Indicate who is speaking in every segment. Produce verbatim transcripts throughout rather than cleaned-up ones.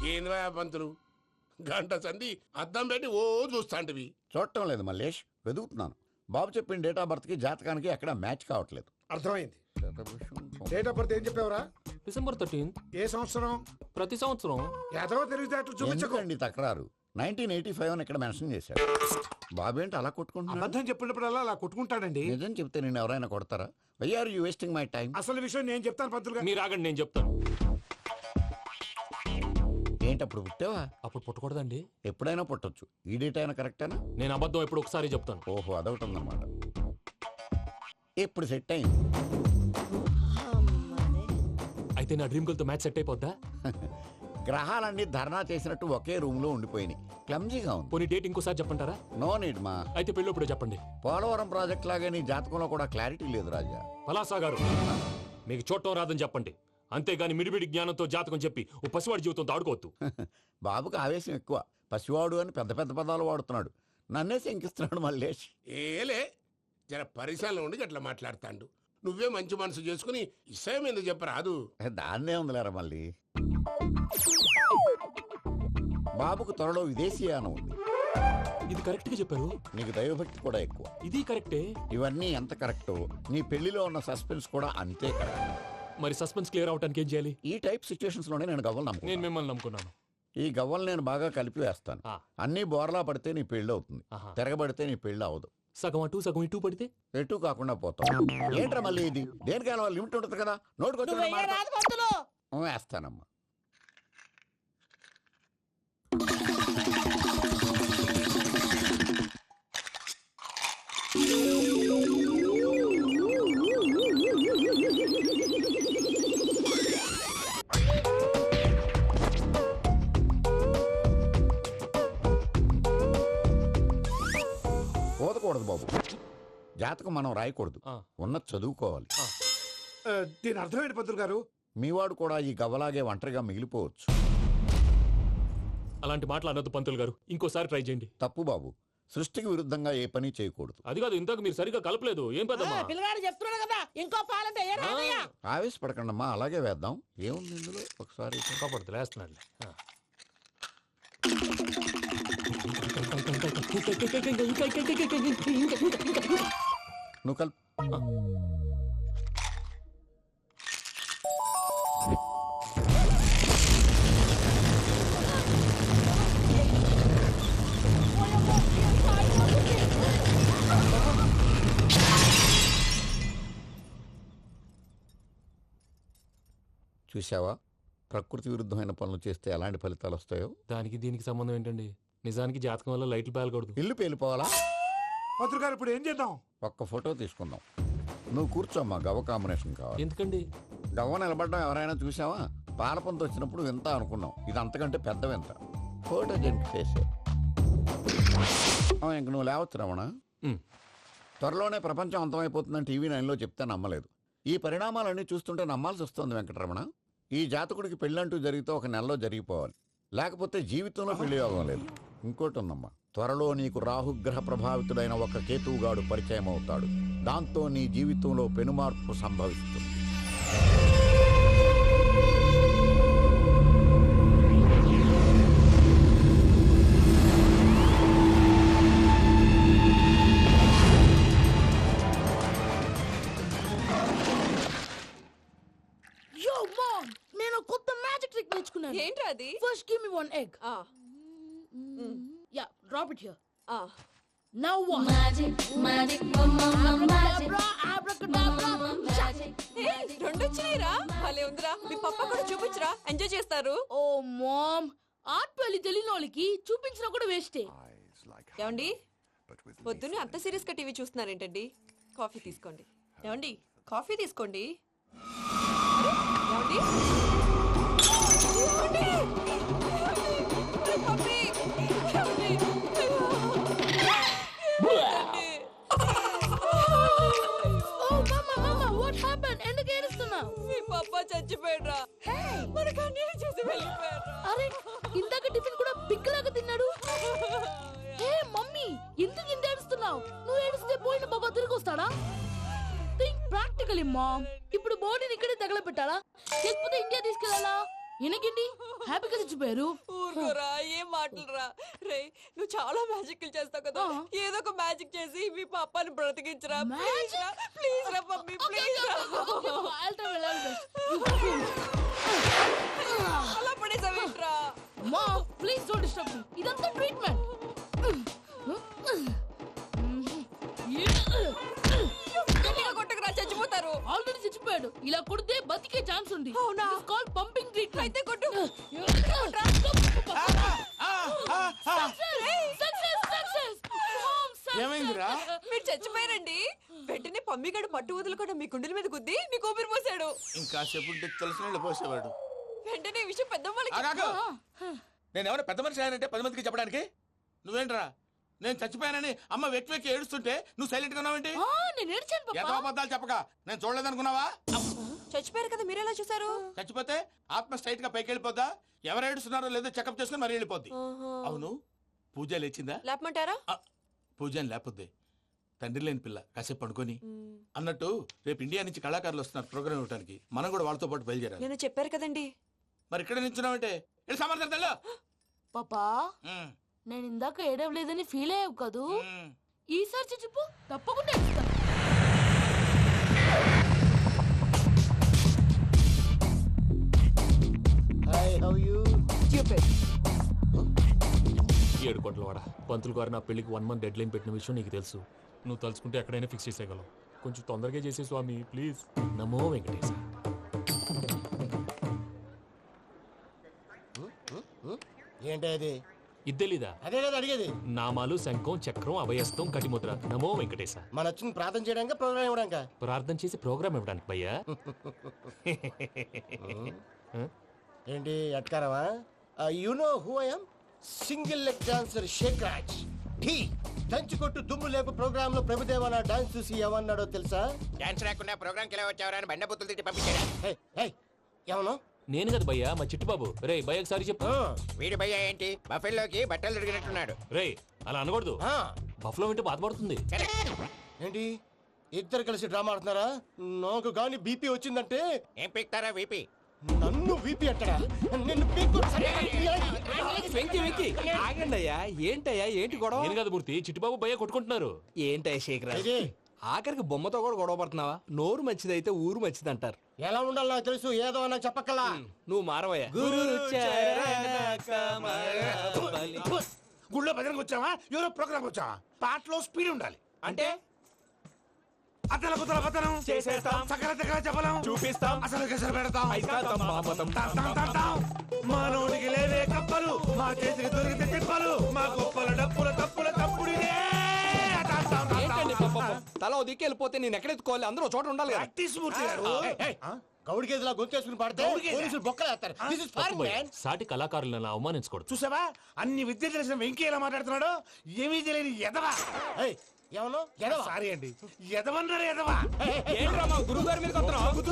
Speaker 1: ఏంద్రా పంతులు గంట సంధి అద్దం పెట్టి ఓ చూస్తాంటివి.
Speaker 2: చూడటం లేదు మల్లేష్, వెతుకుతున్నాను. బాబు చెప్పిన డేట్ ఆఫ్ బర్త్ కి జాతకానికి ఎక్కడ మ్యాచ్ కావట్లేదు.
Speaker 3: అర్థమైంది. డేట్ ఆఫ్ బర్త్ ఏం చెప్పావురా?
Speaker 4: December thirteenth.
Speaker 3: ఏ సంవత్సరం?
Speaker 4: ప్రతి సంవత్సరం.
Speaker 3: ఎదవ తెలివితేటలు చూపించకండి.
Speaker 2: ఎందుకండి తక్రారు? నైన్టీన్ ఎయిటీ ఫైవ్ అని ఇక్కడ మెన్షన్ చేశాడు. బాబు ఏంటి అలా కొట్టుకుంటున్నాడు?
Speaker 3: అబద్ధం చెప్పినప్పుడల్లా అలా కొట్టుకుంటాడండి.
Speaker 2: నిజం చెప్తే నేను ఎవరైనా కొడతారా? Why are you wasting my time?
Speaker 3: అసలు విషయం నేను చెప్తాను పంతులు గారు.
Speaker 4: మీరు ఆగండి, నేను చెప్తాను.
Speaker 2: ఏంటి అప్పుడు పుట్టావా?
Speaker 4: అప్పుడు పుట్టకూడదండి.
Speaker 2: ఎప్పుడైనా పుట్టొచ్చు. ఈ డేట్ అయినా కరెక్టేనా?
Speaker 4: నేను అబద్ధం ఎప్పుడు ఒకసారి చెప్తాను.
Speaker 2: ఓహో, అదొకటి ఉందన్నమాట. ఎప్పుడు సెట్ అయింది?
Speaker 4: అయితే నా డ్రీమ్ గర్ల్ తో మ్యాచ్ సెట్ అయిపోద్దా?
Speaker 2: గ్రహాలన్నీ ధర్నా చేసినట్టు ఒకే రూమ్ లో ఉండిపోయినాయి. క్లమ్జీగా ఉంది.
Speaker 4: పోనీ డేట్ ఇంకోసారి చెప్పంటారా?
Speaker 2: నో నీడ్ మా.
Speaker 4: అయితే పెళ్ళప్పుడు చెప్పండి.
Speaker 2: పోలవరం ప్రాజెక్ట్ లాగే నీ జాతకంలో కూడా క్లారిటీ లేదు రాజా.
Speaker 4: పలాసా గారు, మీకు చూడటం రాదని చెప్పండి. అంతేగాని మిడిమిడి జ్ఞానంతో జాతకం చెప్పి ఓ పసివాడి జీవితంతో ఆడుకోవద్దు.
Speaker 2: బాబుకి ఆవేశం ఎక్కువ. పసివాడు అని పెద్ద పెద్ద పదాలు వాడుతున్నాడు. నన్నే శంకిస్తున్నాడు మల్లేష్.
Speaker 1: ఏలే జర పరిశాలలో ఉండి అట్లా మాట్లాడతాండు. నువ్వే మంచి మనసు చేసుకుని ఇష్టం ఎందుకు చెప్పరాదు?
Speaker 2: దాన్నే ఉందిలేరా మళ్ళీ. బాబుకు త్వరలో విదేశీయానం ఉంది.
Speaker 4: ఇది కరెక్ట్ గా చెప్పారు.
Speaker 2: నీకు దైవభక్తి కూడా ఎక్కువ.
Speaker 4: ఇది కరెక్టే.
Speaker 2: ఇవన్నీ ఎంత కరెక్టో నీ పెళ్లిలో ఉన్న సస్పెన్స్ కూడా అంతే కరెక్ట్.
Speaker 4: మరి సస్పెన్స్ క్లియర్ అవడానికి ఏం చేయాలి?
Speaker 2: ఈ టైప్ సిచ్యువేషన్స్ లోనే నేను గవ్వలు
Speaker 4: నేను
Speaker 2: నమ్ముకున్నాను.
Speaker 4: మిమ్మల్ని నమ్ముకున్నాను.
Speaker 2: ఈ గవ్వలు నేను బాగా కలిపి వేస్తాను.
Speaker 4: ఆ.
Speaker 2: అన్ని బోర్లా పడితే నీ పెళ్లి అవుతుంది.
Speaker 4: ఆహా.
Speaker 2: తిరగబడితే నీ పెళ్లి అవదు.
Speaker 4: సగం అటు సగం ఇటు పడితే
Speaker 2: ఎటు కాకుండా పోతాం. ఏంట్రా మళ్ళీ ఇది? దేనికైనా లిమిట్ ఉంటుంది కదా. నోటుకొచ్చి వేస్తానమ్మా. పోదకూడదు బాబు. జాతకం మనం రాయకూడదు.
Speaker 4: ఆ.
Speaker 2: ఉన్నది చదువుకోవాలి.
Speaker 3: ఆ, దీని అర్థమైంది పంతులు గారు.
Speaker 2: మీవాడు కూడా ఈ గవ్వలాగే ఒంటరిగా మిగిలిపోవచ్చు.
Speaker 4: అలాంటి మాటలు అనొద్దు పంతులు గారు. ఇంకోసారి ట్రై చేయండి.
Speaker 2: తప్పు బాబు. సృష్టికి విరుద్ధంగా ఏ పని చేయకూడదు.
Speaker 4: అది కాదు, ఇంతకు మీరు సరిగా కలపలేదు. ఏం పెద్దమ్మా?
Speaker 5: పిల్లగాడు చెప్తున్నాడు కదా, ఇంకో పాలంటే ఏ రాదయ్యా?
Speaker 2: ఆవేశపడకండమ్మా, అలాగే వేద్దాం. ఏముంది ఇందులో? ఒకసారి
Speaker 4: కాపాడుతు లేస్తున్నాడు.
Speaker 2: నువ్వు కల్ చూసావా? ప్రకృతి విరుద్ధమైన పనులు చేస్తే ఎలాంటి ఫలితాలు వస్తాయో.
Speaker 4: దానికి దీనికి సంబంధం ఏంటండి? నిజానికి జాతకం వల్ల లైట్లు పేలకూడదు.
Speaker 2: ఇల్లు పేలిపోవాలా?
Speaker 3: పంతులు గారు ఇప్పుడు ఏం చేద్దాం?
Speaker 2: ఒక్క ఫోటో తీసుకుందాం. నువ్వు కూర్చోమ్మా. గవ్వ కాంబినేషన్ కావాలి.
Speaker 4: ఎందుకండి?
Speaker 2: గవ్వ నిలబడ్డం ఎవరైనా చూసావా? పాలపంత వచ్చినప్పుడు వింత అనుకున్నాం. ఇది అంతకంటే పెద్ద వింత. ఫోటో జంప్ చేసే ఇంక నువ్వు లేవచ్చు రమణ. త్వరలోనే ప్రపంచం అంతమైపోతుందని టీవీ నైన్లో చెప్తే నమ్మలేదు. ఈ పరిణామాలన్నీ చూస్తుంటే నమ్మాల్సి వస్తుంది వెంకటరమణ. ఈ జాతకుడికి పెళ్ళంటూ జరిగితే ఒక నెలలో జరిగిపోవాలి. లేకపోతే జీవితంలో పెళ్లి యోగం లేదు. ఇంకోటి ఉందమ్మా, త్వరలో నీకు రాహుగ్రహ ప్రభావితుడైన ఒక కేతువుగాడు పరిచయం అవుతాడు. దాంతో నీ జీవితంలో పెనుమార్పు సంభవిస్తుంది.
Speaker 5: Yo mom, నేను కొత్త మ్యాజిక్ ట్రిక్ నేర్చుకున్నాను.
Speaker 6: ఏంట్రా అది?
Speaker 5: First give me one egg.
Speaker 6: ఆ
Speaker 5: Yeah, drop it here.
Speaker 6: ఆ
Speaker 5: Now what?
Speaker 7: Magic, magic, mum, mum, mum, magic.
Speaker 5: Abracadabra, abracadabra.
Speaker 6: ఏ రెండు వచ్చినాయిరా. భలే ఉందిరా. మీ పప్ప కూడా చూపించరా, ఎంజాయ్ చేస్తారు.
Speaker 5: Oh mom, ఆర్ట్ పెళ్లి తెలియని వాళ్ళకి చూపించినా కూడా వేస్టే.
Speaker 6: ఏమండి, పొద్దున్నే అంత సీరియస్ గా టీవీ చూస్తున్నారేంటండి? కాఫీ తీసుకోండి. ఏమండి, కాఫీ తీసుకోండి. అరే, ఏమండి? ఏమండి? అరే, కాఫీ. ఏమండి?
Speaker 5: Oh mama, mama, what happened? ఎందుకు ఏడుస్తున్నావు?
Speaker 6: మీ పప్ప చచ్చిపోయాడ్రా. మనకు అన్యాయం చేసి వెళ్ళిపోయాడ్రా.
Speaker 5: అరే, ఇందాక టిఫిన్ కూడా పిక్కలాగా తిన్నాడు. హే మమ్మీ, ఎందుకు ఇంత ఏడుస్తున్నావు? నువ్వు ఏడిస్తే పోయిన బాబా తిరిగి వస్తాడా? Think practically mom. ఇప్పుడు బాడీని ఇక్కడే తగలబెట్టాలా, లేకపోతే ఇండియా తీసుకెళ్లాలా? ఈయనకేంటి హ్యాపీగా చచ్చిపోయారు.
Speaker 6: ఊరుకోరా, ఏం మాటలురా. రే, నువ్వు చాలా మ్యాజిక్ చేస్తావు కదా,
Speaker 5: ఆ.
Speaker 6: ఏదో ఒక మ్యాజిక్ చేసి మీ పాపాని బ్రతికించరా. Please
Speaker 5: Magic?
Speaker 6: రా, ప్లీజ్ రా మమ్మీ, ప్లీజ్ రా. అలా పడేసావేంట్రా?
Speaker 5: మా ప్లీజ్ డోంట్ డిస్టర్బ్ మీ. ఇదంతా ట్రీట్మెంట్.
Speaker 6: గట్టిగా కొట్టకురా, చచ్చిపోతారు.
Speaker 5: ఆల్రెడీ చచ్చిపోయాడు. ఇలా కొడితే బతికే ఛాన్స్ ఉంది.
Speaker 6: అవునా?
Speaker 5: Call pumping treatment.
Speaker 6: అయితే కొట్టు.
Speaker 1: ఏమైందిరా?
Speaker 6: మీరు చచ్చిపోయారండి. వెంటనే పమ్మిగాడు పట్టు వదులుకుండా మీ గుండెల మీద గుద్ది మీకు ఊపిరి పోసాడు.
Speaker 1: ఇంకా చెప్పు తెలిసిన వాళ్ళు పోసేవాడు.
Speaker 6: వెంటనే ఈ విషయం పెద్దవాళ్ళకి
Speaker 1: ఆగాగు. నేను ఎవరైనా పెద్ద మనిషి ఆయనంటే పది మందికి చెప్పడానికి నువ్వేంట్రా? నేను చచ్చిపోయానని అమ్మ వెక్కి వెక్కి ఏడుస్తుంటే నువ్వు సైలెంట్ గా ఉన్నావేంటి?
Speaker 5: ఆ, నేను ఏడ్చాను
Speaker 1: ఎంతో
Speaker 5: పాపా.
Speaker 1: అబద్ధాలు చెప్పక నేను చూడలేదనుకున్నావా?
Speaker 6: చచ్చిపోయారు కదా, మీరెలా చూసారు?
Speaker 1: చచ్చిపోతే ఆత్మ స్ట్రైట్ గా పైకి వెళ్ళిపోద్దా? ఎవరు ఏడుస్తున్నారో లేదో చెకప్ చేసుకుని మరీ వెళ్ళిపోద్ది. అవును, పూజ లేచిందా?
Speaker 6: లేపమంటారా?
Speaker 1: ఆ, పూజ అని లేకపోద్ది. తండ్రి లేని పిల్ల కాసేపు పడుకొని అన్నట్టు రేపు ఇండియా నుంచి కళాకారులు వస్తున్నారు ప్రోగ్రామ్ ఇవ్వడానికి. మనం కూడా వాళ్ళతో పాటు బయలుదేరాలి.
Speaker 6: నేను చెప్పారు కదండి.
Speaker 1: మరి ఇక్కడ నించున్నావంటే వెళ్ళి సమర్థతల్లో.
Speaker 5: పాపా నేను ఇందాక ఏడవలేదని ఫీల్ అయ్యావు కదూ. ఈసారి చచ్చిపో, తప్పకుండా ఏడుస్తా.
Speaker 4: ఏడు కోట్ల వాడ పంతులు గారు నా పెళ్లికి వన్ మంత్ డెడ్ లైన్ పెట్టిన విషయం నీకు తెలుసు. నువ్వు తలుచుకుంటే ఎక్కడైనా ఫిక్స్ చేసేయగలవు. కొంచెం తొందరగా చేసే స్వామి ప్లీజ్. నమో వెంకటేశ.
Speaker 8: ఏంటది?
Speaker 4: ఇది తెలీదా?
Speaker 8: అదే కదా అడిగేది.
Speaker 4: నామాలు శంఖం చక్రం అభయస్తం కటిముద్ర. నమో వెంకటేశ.
Speaker 8: మన వచ్చింది ప్రార్థన చేయడానికి, ప్రోగ్రామ్ ఇవ్వడానికి.
Speaker 4: ప్రార్థన చేసి ప్రోగ్రామ్ ఇవ్వడానికి భయ్యా.
Speaker 8: ఏంటి అట్కారమా? You know who I am? Single leg dancer Sheikh Raj. ఠీ దంచి కొట్టు దుమ్ము లేపు ప్రోగ్రామ్ లో ప్రభుదేవ నా డాన్స్ చూసి ఏమన్నాడో తెలుసా?
Speaker 9: డాన్స్ రాకుండా ప్రోగ్రామ్ కి ఎలా వచ్చావరా అని బండ బుద్ధులు తిట్టి పంపించాడు.
Speaker 8: ఏమను?
Speaker 4: నేను కదా భయ్యా, మా చిట్టుబాబు. రే భయ్య ఒకసారి చెప్పు.
Speaker 9: వీడి భయ్య ఏంటి బఫెల్లోకి బట్టలు తిరిగినట్టున్నాడు.
Speaker 4: రే అలా అనకూడదు. బఫ్లో వింటే బాధపడుతుంది.
Speaker 8: ఏంటి ఇద్దరు కలిసి డ్రామా ఆడుతున్నారా? నాకు గాని బీపీ వచ్చిందంటే
Speaker 9: ఏం పీక్తారా వీపీ?
Speaker 8: నన్ను బీపీ అట్టడా? నిన్ను పీక్కు.
Speaker 10: వెంకీ వెంకీ ఆగండి అయ్యా. ఏంటయ్యా, ఏంటి గొడవ?
Speaker 4: నేను కదా మూర్తి, చిట్టుబాబు భయ్య కొట్టుకుంటున్నారు.
Speaker 10: ఏంటయ్యా శేఖరా, ఆఖరికి బొమ్మతో కూడా గొడవ పడుతున్నావా? నోరు మంచిదైతే ఊరు మంచిది అంటారు.
Speaker 8: ఎలా ఉండాలి నాకు తెలుసు, ఏదో నాకు చెప్పక్కలా.
Speaker 10: నువ్వు మారవయ్యా.
Speaker 3: గుళ్ళో భజనకు వచ్చావా? ఎవరో ప్రోగ్రామ్ వచ్చావా? పాటలో స్పీడ్ ఉండాలి.
Speaker 10: అంటే
Speaker 3: అతల కుతల పతనం
Speaker 10: చేసేస్తాం,
Speaker 3: సకల దగ్గర చెప్పలేం,
Speaker 10: చూపిస్తాం,
Speaker 3: అసలు గసలు పెడతాం.
Speaker 10: అయితాం, బాపతం.
Speaker 3: తాం, తాం, తాం, తాం. మానవుడికి లేవే కప్పలు, మా చేతికి దొరికితే తిప్పలు, మా గొప్పల డప్పుల తప్పుల తప్పుడిదే. తాం, తాం, తాం,
Speaker 10: ఏంటండి
Speaker 3: తాం.
Speaker 10: పాపం? తల ఓ దిక్కు వెళ్ళిపోతే నేను ఎక్కడెత్తుకోవాలి? అందరూ ఒక చోట ఉండాలి కదా.
Speaker 3: ప్రాక్టీస్ మూర్తి గారు.
Speaker 8: గౌడి గేదెలా గొంతేసుకుని పాడితే
Speaker 3: గౌడి గేదె?
Speaker 8: పోలీసులు బొక్కలేస్తారు. This is
Speaker 4: తప్పు
Speaker 8: foreign,
Speaker 4: భయ్యా.
Speaker 8: man.
Speaker 4: సాటి కళాకారులను అవమానించకూడదు.
Speaker 3: చూసావా అన్ని విద్య తెలిసిన వెంకీ ఎలా మాట్లాడుతున్నాడు? ఏమీ తెలియని ఎదవా.
Speaker 8: ఏయ్, ఏమను? ఎడవా?
Speaker 3: సారీ అండి, ఎదవన్నారు ఎదవా.
Speaker 10: ఏంట్రా మా గురువు గారి మీద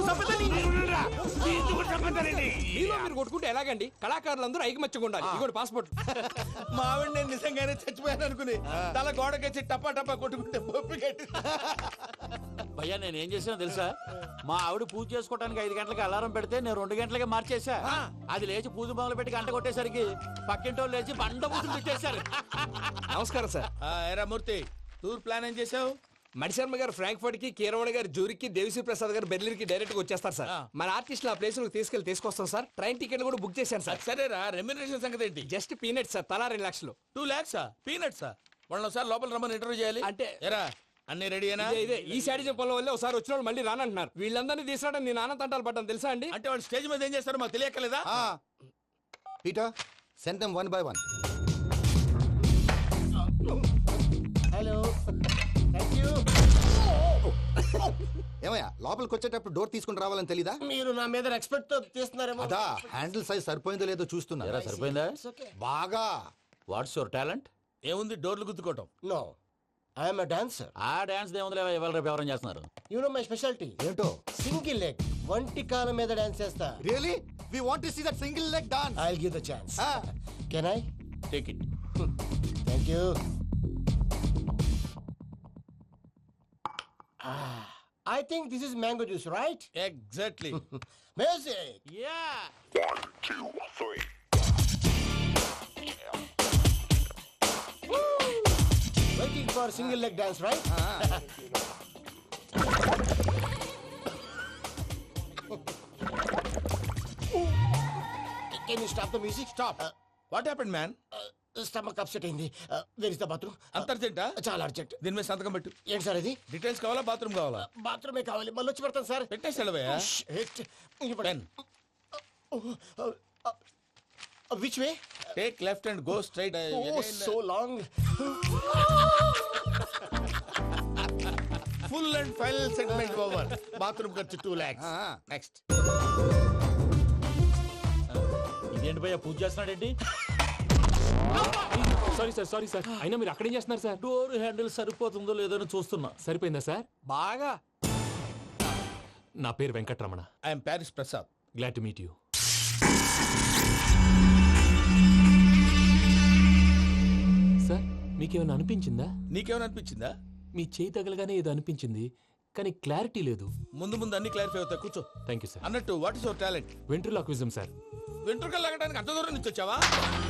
Speaker 10: మీలో మీరు కొట్టుకుంటే ఎలాగండి? కళాకారులందరూ ఐకమత్యంగా ఉండాలి. ఇదిగోండి పాస్పోర్ట్.
Speaker 1: మావిడ నేను నిజంగానే చచ్చిపోయాను అనుకుని తల గోడకొచ్చి టపా టపా కొట్టుకుంటే బొప్పి కట్టి.
Speaker 2: భయ్యా నేను ఏం చేసినా తెలుసా? మా ఆవిడ పూజ చేసుకోవడానికి ఐదు గంటలకి అలారం పెడితే నేను రెండు గంటలకి మార్చేసా. అది లేచి పూజ మొదలు పెట్టి గంట కొట్టేసరికి పక్కింటి వాళ్ళు లేచి బండ పూజలు పెట్టేశారు.
Speaker 10: నమస్కారం సార్.
Speaker 1: ఎరా మూర్తి, టూర్ ప్లాన్ ఏం చేసావు?
Speaker 10: మణిశర్మ గారు ఫ్రాంక్ఫర్ట్ కి, కీరవాణి గారు జూరికి, దేవిశ్రీ ప్రసాద్ గారు బెర్లిన్ కి డైరెక్ట్ గా వచ్చేస్తారు సార్. మన ఆర్టిస్ట్ ఆ ప్లేస్ తీసుకెళ్లి తీసుకొస్తాం సార్. ట్రైన్ టికెట్ కూడా బుక్ చేశాను సార్.
Speaker 1: సరేరా, రెమ్యూనరేషన్ సంగతి ఏంటి?
Speaker 10: జస్ట్ పీనట్ సార్, తలా రెండు లక్షలు.
Speaker 1: టూ లాక్సా? పీనట్సా? వాళ్ళని ఒకసారి లోపల రమ్మని ఇంటర్వ్యూ చేయాలి.
Speaker 10: అంటే
Speaker 1: ఎరా అన్ని రెడీయేనా?
Speaker 10: ఇదే ఇదే ఈ సైడ్ చెప్పడం వల్లే ఒకసారి వచ్చిన వాళ్ళు మళ్ళీ రానంటున్నారు. వీళ్ళందరినీ తీసుకురావడం నేను ఆనంద తంటాలు పడ్డాను తెలుసా అండి.
Speaker 1: అంటే వాళ్ళు స్టేజ్ మీద ఏం చేస్తారో మాకు తెలియక్కలేదా?
Speaker 2: Peter send them one by one.
Speaker 8: Hello, thank you.
Speaker 2: ఏమయ్యా లోపలికి వచ్చేటప్పుడు డోర్ తీసుకుని రావాలని తెలీదా?
Speaker 8: మీరు నా మీద ఎక్స్పెక్ట్ తో తీస్తున్నారేమో.
Speaker 2: అదా హ్యాండిల్ సైజ్ సరిపోయిందో లేదో చూస్తున్నా. సరిపోయిందా? బాగా. What's your talent?
Speaker 1: ఏముంది, డోర్లు గుద్దుకోవటం.
Speaker 8: No, I'm a dancer.
Speaker 2: ఆ డాన్స్ దేవుందిలే, ఇవాళ రేపు ఎవరైనా చేస్తున్నారు.
Speaker 8: యు నో మై స్పెషాలిటీ
Speaker 2: ఏంటో?
Speaker 8: సింగిల్ లెగ్, వంటి కాలం మీద డాన్స్ చేస్తా.
Speaker 2: Really we want to see that single leg dance.
Speaker 8: I will give the chance. Can I?
Speaker 1: Take it.
Speaker 8: Thank you. I think this is mango juice right?
Speaker 1: Exactly.
Speaker 8: Music.
Speaker 1: Yeah.
Speaker 8: Waiting for single leg dance right? Can you stop the music?
Speaker 1: Stop. What happened man?
Speaker 8: Stomach upset అయింది. Where is the bathroom?
Speaker 1: అంత అర్జెంటా?
Speaker 8: చాలా urgent.
Speaker 1: దీని మీద సంతకం పెట్టు.
Speaker 8: ఏంటి sir ఇది?
Speaker 1: డీటెయిల్స్ కావాలా బాత్రూమ్ కావాలా?
Speaker 8: బాత్రూమే కావాలి. మళ్ళీ వచ్చి పెడతాను సార్.
Speaker 1: పెట్టేసి వెళ్ళవయ్యా. Pen.
Speaker 8: Which way?
Speaker 1: Take left and go straight.
Speaker 8: Oh so long.
Speaker 1: Full and final segment over. Bathroom ఖర్చు టూ లాక్స్. నెక్స్ట్.
Speaker 4: ఇదేంటి భయ్యా పూజ చేస్తున్నాడేంటి? సారీ సార్ సారీ సార్ అయినా మీరు అక్కడేం చేస్తున్నారు సార్?
Speaker 3: డోర్ హ్యాండిల్ సరిపోతుందో లేదో అని చూస్తున్నా.
Speaker 4: సరిపోయిందా సార్?
Speaker 10: బాగా.
Speaker 4: నా పేరు Venkataramana.
Speaker 1: I'm Paris Prasad.
Speaker 4: Glad to meet you. Sir మీకేమైనా అనిపించిందా?
Speaker 1: నీకేమైనా అనిపించిందా?
Speaker 4: మీ చేయి తగలగానే ఏదో అనిపించింది కానీ క్లారిటీ లేదు.
Speaker 1: ముందు ముందు అన్ని క్లారిఫై అవుతాయి. కూర్చో.
Speaker 4: Thank you sir.
Speaker 1: అన్నట్టు what is your talent?
Speaker 4: Ventriloquism sir.
Speaker 1: వెంట్రుకలు లాగడానికి అంత దూరం నుంచి వచ్చావా?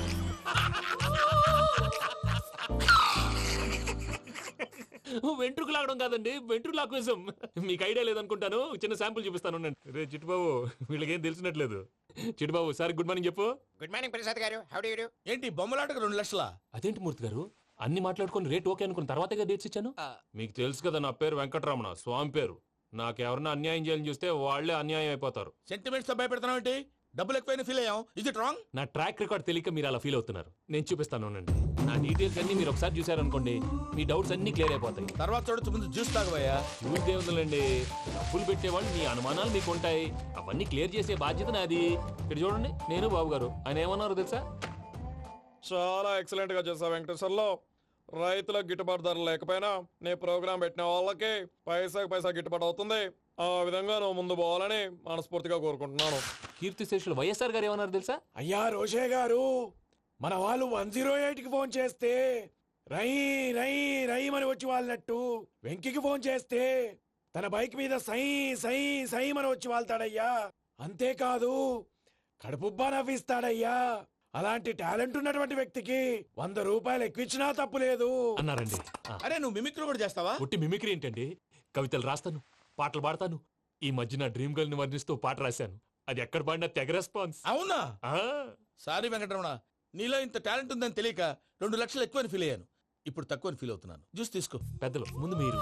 Speaker 4: వెంట్రుకు లాగడం కాదండి, వెంట్రులాక్విజం. మీకు ఐడియా లేదనుకుంటాను. చిన్న శాంపుల్ చూపిస్తాను. రే చిట్టుబాబు వీళ్ళకేం తెలిసినట్లేదు. చిట్టుబాబు సార్ గుడ్ మార్నింగ్ చెప్పు.
Speaker 9: Good morning Prasad garu. How do you do?
Speaker 1: ఏంటి బొమ్మలాటకు రెండు లక్షలా?
Speaker 4: అదేంటి మూర్తి గారు అన్ని మాట్లాడుకుని రేట్ ఓకే అనుకున్న తర్వాతగా డేట్స్ ఇచ్చాను. మీకు తెలుసు కదా నా పేరు వెంకటరమణ, స్వామి పేరు. నాకెవరన్నా అన్యాయం చేయాలని చూస్తే వాళ్లే అన్యాయం అయిపోతారు.
Speaker 1: సెంటిమెంట్స్ తో భయపెడతావు ఏంటి? డబ్బులు ఎక్కువైనా ఫీల్ అయ్యాం. Is it wrong?
Speaker 4: నా ట్రాక్ రికార్డ్ తెలియక మీరు అలా ఫీల్ అవుతున్నారు. నేను చూపిస్తాను అండి. నా డీటెయిల్స్ అన్ని మీరు ఒకసారి చూసారనుకోండి మీ డౌట్స్ అన్ని క్లియర్ అయిపోతాయి.
Speaker 1: తర్వాత చూడొచ్చు, ముందు జ్యూస్ తాగబోయా.
Speaker 4: చూస్తే ఉందండి, డబ్బులు పెట్టేవాళ్ళు మీ అనుమానాలు మీకు ఉంటాయి. అవన్నీ క్లియర్ చేసే బాధ్యత నాది. ఇక్కడ చూడండి నేను బాబు గారు. ఆయన ఏమన్నారు తెలుసా?
Speaker 11: చాలా ఎక్సలెంట్ గా చేసావు వెంకటేశ్వర్లో. రైతులకు గిట్టుబాటు ధర లేకపోయినా నీ ప్రోగ్రాం పెట్టిన వాళ్ళకి పైసాకి పైసా గిట్టుబాటు అవుతుంది. ఆ విధంగా నువ్వు ముందు పోవాలని మనస్ఫూర్తిగా కోరుకుంటున్నాను.
Speaker 4: కీర్తి శేషులు వైఎస్ఆర్ గారు ఏమన్నారు తెలుసా?
Speaker 3: అయ్యా రోషే గారు, మన వాళ్ళు వన్ జీరో ఎయిట్ కి ఫోన్ చేస్తే రై రై రై అని వచ్చి వాళ్ళనట్టు వెంకికి ఫోన్ చేస్తే తన బైక్ మీద సై సై సై అని వచ్చి వాళ్తాడయ్యా. అంతేకాదు కడుపుబ్బా నవ్విస్తాడయ్యా. అలాంటి టాలెంట్ ఉన్నటువంటి వ్యక్తికి వంద రూపాయలు ఎక్కువచ్చినా తప్పు లేదు
Speaker 4: అన్నారండి.
Speaker 1: అరే నువ్వు మిమిక్రీ కూడా చేస్తావా?
Speaker 4: పుట్టి మిమిక్రీ ఏంటండి? కవితలు రాస్తాను, పాటలు పాడతాను. ఈ మధ్య నా డ్రీమ్ గర్ల్ ని వర్ణిస్తూ పాట రాశాను. అది ఎక్కడ పాడినా తెగ రెస్పాన్స్.
Speaker 1: అవునా? సారీ వెంకటరమణ, నీలో ఇంత టాలెంట్ ఉందని తెలియక రెండు లక్షలు ఎక్కువని ఫీల్ అయ్యాను. ఇప్పుడు తక్కువని ఫీల్ అవుతున్నాను. జ్యూస్ తీసుకో.
Speaker 4: పెద్దలు ముందు మీరు.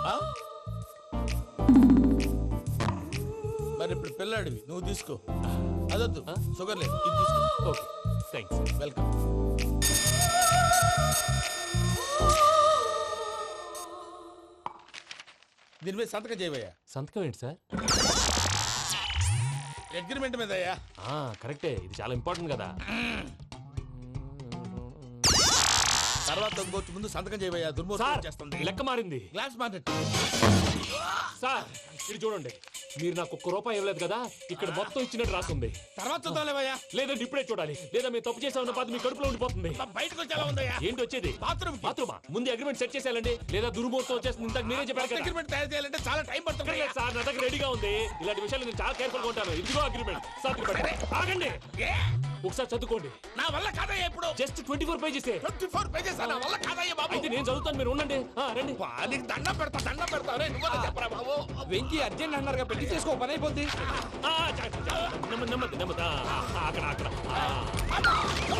Speaker 1: మరి ఇప్పుడు పిల్లాడివి, నువ్వు తీసుకో. అదొద్దు, షుగర్ లేదు, ఇది తీసుకో.
Speaker 4: Okay thanks.
Speaker 1: వెల్కమ్. దీని మీద సంతకం చేయవయ్యా.
Speaker 4: సంతకం ఏంటి సార్?
Speaker 1: అగ్రిమెంట్ మీద అయ్యా.
Speaker 4: కరెక్టే, ఇది చాలా ఇంపార్టెంట్ కదా.
Speaker 1: తర్వాత ఇంకొచ్చి ముందు సంతకం చేయవయ్యా. దుర్మోహం చేస్తుంది.
Speaker 4: లెక్క మారింది.
Speaker 1: Glass market.
Speaker 4: సార్ ఇది చూడండి, మీరు నాకు ఒక్క రూపాయి ఇవ్వలేదు కదా, ఇక్కడ మొత్తం ఇచ్చినట్టు రాస్తుంది.
Speaker 1: తర్వాత చూద్దాంలేవయ్యా.
Speaker 4: లేదంటే ఇప్పుడే చూడాలి, లేదా మీరు తప్పు చేసామన్న బాధ మీ కడుపులో ఉండిపోతుంది.
Speaker 1: బయటకు వచ్చేలా ఉందయ్యా.
Speaker 4: ఏంటి వచ్చేది?
Speaker 1: బాత్రూమ్.
Speaker 4: బాత్రూమా? ముందు అగ్రిమెంట్ సెట్ చేసేయాలండి, లేదా దుర్మూర్తం వచ్చేస్తుంది. ఇంతకు మీరే చెప్పారు కదా.
Speaker 1: అగ్రిమెంట్ తయారు చేయాలంటే చాలా టైం పడుతుంది
Speaker 4: సార్. నా దగ్గర రెడీగా ఉంది. ఇలాంటి విషయాలు నేను చాలా కేర్ఫుల్ గా ఉంటాను. ఇదిగో అగ్రిమెంట్. ఆగండి, ఒకసారి చదువుకోండి.
Speaker 1: నా వల్ల కాదయ్యా. ఇప్పుడు
Speaker 4: just twenty four pages.
Speaker 1: Twenty four pages నా వల్ల కాదయ్యా బాబు.
Speaker 4: అయితే నేను చదువుతాను, మీరు ఉండండి. రండి.
Speaker 1: నీకు దండం పెడతా, దండం పెడతా. చెప్పరా బాబు.
Speaker 10: వెంకీ అర్జెంట్ అన్నారుగా, పెళ్లి చేసుకో, పని అయిపోద్ది.
Speaker 4: నెమ్మది నెమ్మది నెమ్మది. అక్కడ అక్కడ